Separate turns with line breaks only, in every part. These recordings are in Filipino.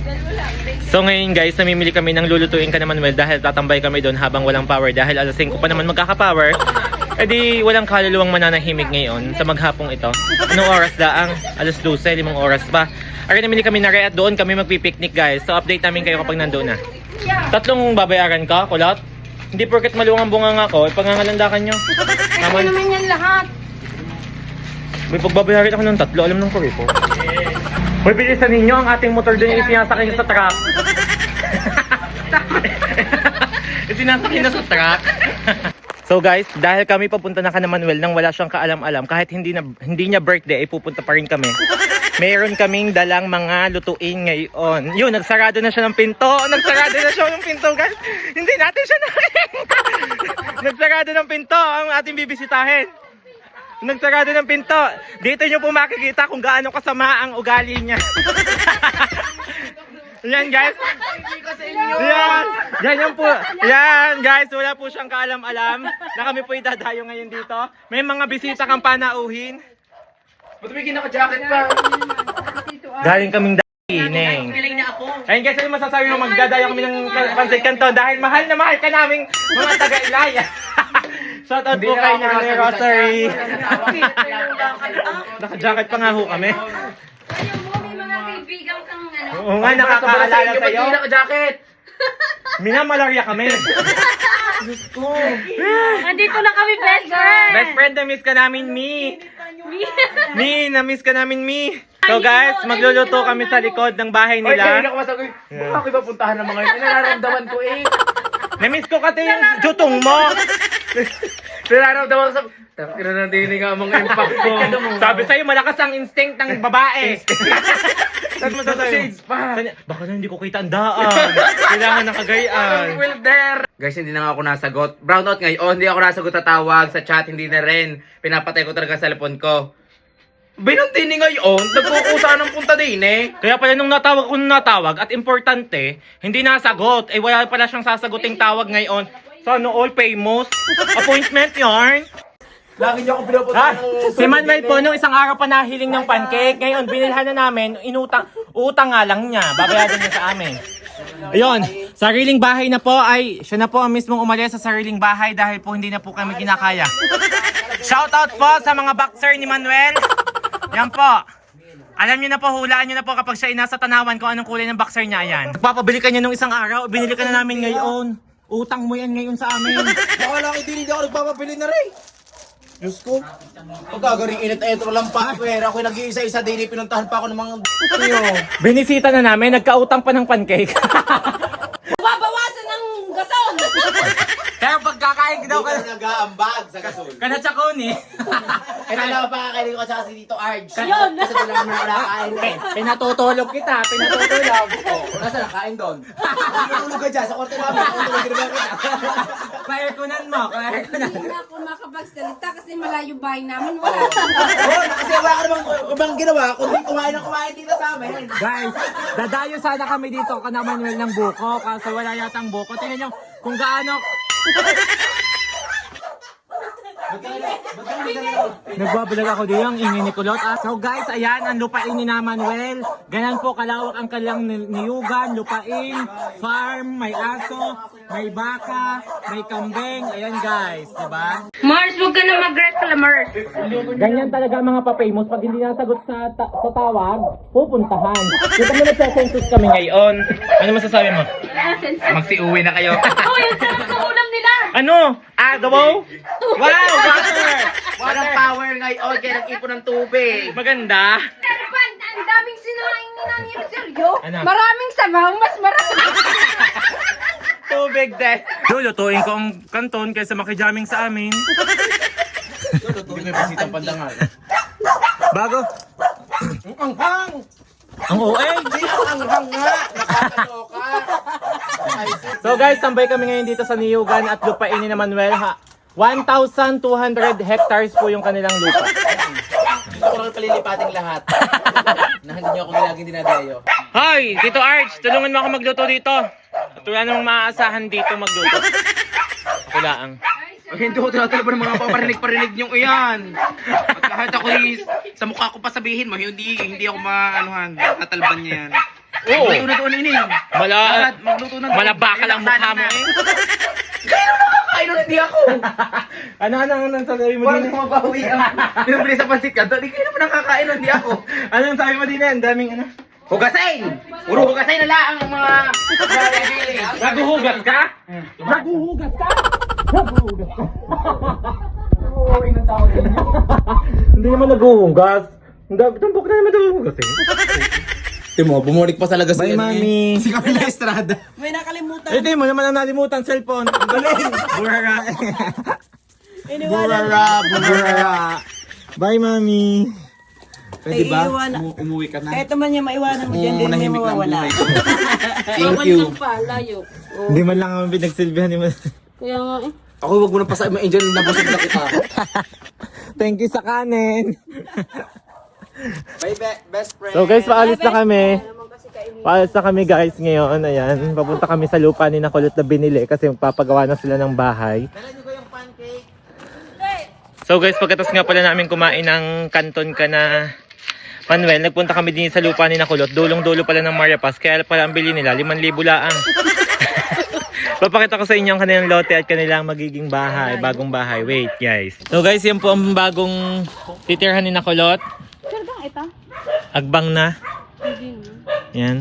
So ngayon guys, namimili kami ng lulutuin ka naman well dahil tatambay kami doon habang walang power dahil alas 5 pa naman magkaka-power. E di walang kaluluwang mananahimik ngayon sa maghapong ito. Anong oras daang? Alas 12, 5 oras pa. Ari namili kami na at doon kami magpipiknik guys. So update namin kayo kapag nandoon na. 3 babayaran ka, kulot? Hindi porket maluwang ang bunganga ko, ipangangalandakan nyo.
Ano naman yan lahat?
May pagbabayaran ako ng 3, alam ng kuri ko. Hoy, bilisan ninyo ang ating motor doon yung isinasakay sa truck. Isinasakay na sa truck. So guys, dahil kami papunta na ka na Manuel nang wala siyang kaalam-alam, kahit hindi niya birthday, ay pupunta pa rin kami. Mayroon kaming dalang mga lutuin ngayon. Yun, nagsarado na siya ng pinto. Nagsarado na siya ng pinto, guys. Hindi natin siya nakikita. Nagsarado ng pinto ang ating bibisitahin. Nagsarado ng pinto. Dito nyo po makikita kung gaano kasama ang ugali niya. Yan guys. Yan. Ganyan po. Yan guys. Wala po siyang kaalam-alam na kami po idadayo ngayon dito. May mga bisita kang panauhin.
Ba't may kinaka-jacket pa?
Galing kaming Neng. Ayun guys, ano masasabi mo magdadayo kami ng Pansay Canton dahil mahal na mahal ka naming mga taga-Ilaya. Shout out po kay Nanay Rosary. Naka-jacket pa nga ho kami.
Ayaw mo, may mga kaibigan kang ano.
Oo nga, nakakaalala sa'yo.
Ba't may naka-jacket?
Minamalarya kami. Diyos ko.
Nandito na kami, best friend.
Best friend, na-miss ka namin, Mi. Mi, na-miss ka namin, Mi. So guys, magluluto kami sa likod ng bahay
Oy,
nila.
kanina ko masagot. Baka ako iba puntahan ng mga yun. Nararamdaman ko eh.
Na-miss ko kasi yung jutong mo.
Nararamdaman ko sa... Tira na dinig ang mga impact ko.
Sabi sa'yo, malakas ang instinct ng babae. Saan mo sasabi?
Shades pa.
Baka na hindi ko kita ang daan. Kailangan ng kagayaan.
Will there. Guys, hindi na nga ako nasagot. Brownout ngayon, hindi ako nasagot sa tawag, sa chat, hindi na rin. Pinapatay ko talaga sa cellphone ko. Binunti ni ngayon, nagkukusa ng punta din eh.
Kaya pala nung natawag at importante, hindi nasagot. Eh wala pala siyang sasaguting tawag ngayon. Sana all famous. Appointment yarn.
Lagi niyo ako pinapunta
Si Manuel po nung isang araw pa nahiling ng pancake. Ngayon binilhan na namin, utang nga lang niya. Babayaran niya sa amin. Ayun, sariling bahay na po ay siya na po ang mismong umalis sa sariling bahay dahil po hindi na po kami kinakaya. Shoutout po sa mga boxer ni Manuel. Yan po. Alam niyo na po, hulaan niyo na po kapag siya ay nasa tanawan kung anong kulay ng boxer niya. Yan. Papabili ka niya nung isang araw, binili ka na namin ngayon. Utang mo yan ngayon sa amin.
Baka lang hindi ako nagpapabili na rin. Diyos ko. Pagkagaring init-etro lang pa. Pera ako nag-iisa-isa din. Pinuntahan pa ako ng mga tiyo.
Binisita na namin, nagkautang pa ng pancake.
Babawasan ng gason.
Kaya pagkakain daw ka
Nag-aambag sa gasol.
na tsakoni.
Kaya alam pa kakainin ko sa si Tito Arj.
Yun.
Kasi doon lang naman nakakain eh.
Pinatutulog kita, pinatutulog.
Nasaan nakain doon? Tulog ka dyan sa kwarto namin. Tulog ka naman kita.
Klaerkunan mo, klaerkunan.
Hindi na ako makapagsalita kasi malayo bahay namin. Wala.
Oo, kasi wala ka namang ibang ginawa. Kundi kumain ng kumain dito sa amin.
Guys, dadayo sana kami dito kana Manuel ng buko kasi wala yatang buko. Tingnan nyo kung gaano. Nagbabalag ako dito, ang ingay ni Kulot. So guys, ayan ang lupain ni na Manuel. Ganyan po kalawak ang kanilang niyugan, lupain, farm, may aso, may baka, may kambing. Ayan guys, diba?
Mars, huwag ka na mag-reclam, Mars.
Ganyan talaga ang mga pa-famous. Pag hindi nasagot sa tawag, pupuntahan. Dito mo nagsasensus kami ngayon. Ano masasabi mo?
Magsi-uwi na kayo.
Oh, yung sarap ng ulam nila.
Ano? Adobo? Wow! Water!
Walang power ngayon, kaya nag-ipon ng tubig.
Maganda.
Pero pa, ang daming sinaing ni Nani Rosario.
Ano?
Maraming sabaw, mas marami.
Tubig din. Lulutuin ko ang kanton kaysa makijaming sa amin.
Hindi may pasitang pandangal.
Bago.
Ang hang!
Ang OA.
Hindi ang hang nga! Nakakaloka!
So guys, tambay kami ngayon dito sa Niyugan at lupain ni na Manuel. 1,200 hectares po yung kanilang lupa.
Dito ko lang palilipating lahat. Na hindi niyo ako laging dinadayo.
Hoy, Tito Arch, tulungan mo ako magluto dito. At wala namang maaasahan dito magluto. Ako lang.
Ay, hindi ko tinatalaba ng mga paparinig-parinig niyong iyan. At kahit ako sa mukha ko pa sabihin mo, hindi ako maanuhan, tatalban niya yan.
Oo.
Magluto na ini. Magluto na.
Malabaka lang mukha mo eh.
Ay, nun, hindi ako.
Ano sabi mo
Parang
din?
kumabawi ang pinabili sa pansit ka. Di kayo naman nakakain nun, hindi ako.
Anong sabi mo din? Ang daming ano?
Hugasain! Puro hugasain na lang ang mga...
Naguhugas ka? Hindi naman naguhugas. Tumpok na naman naguhugas eh.
Timo, bumalik pa talaga si
Bye, Mami.
Si Camila Estrada.
May nakalimutan.
Ito mo naman ang nalimutan, cellphone. Ang galing. Burara. Burara. Bye, Mami.
Pwede ba?
Iiwan-
Umuwi ka na.
Kahit naman niya maiwanan mo dyan, din niya mawawala.
Thank you.
pa, layo.
Hindi man lang kami pinagsilbihan ni
Kaya nga eh.
Ako wag mo na pasay mo engine na busog na kita.
Thank you sa kanin.
Bye, best friend.
So guys, paalis na kami. Paalis na kami guys ngayon. Ayan, papunta kami sa lupa ni Nakulot na binili kasi papagawa na sila ng bahay. So guys, pagkatapos nga pala namin kumain ng kanton ka na Manuel, nagpunta kami din sa lupa ni Nakulot. Dulong-dulo pala ng Maria Paz. Kaya pala ang bili nila, 5,000 laang. Papakita ko sa inyo ang kanilang lote at kanilang magiging bahay, bagong bahay. Wait guys. So guys, yan po ang bagong titirhan ni Nakulot.
Sirgang ito?
Agbang na. Yan.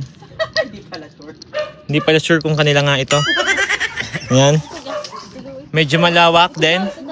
Hindi pala sure kung kanila nga ito. Yan. Medyo malawak din.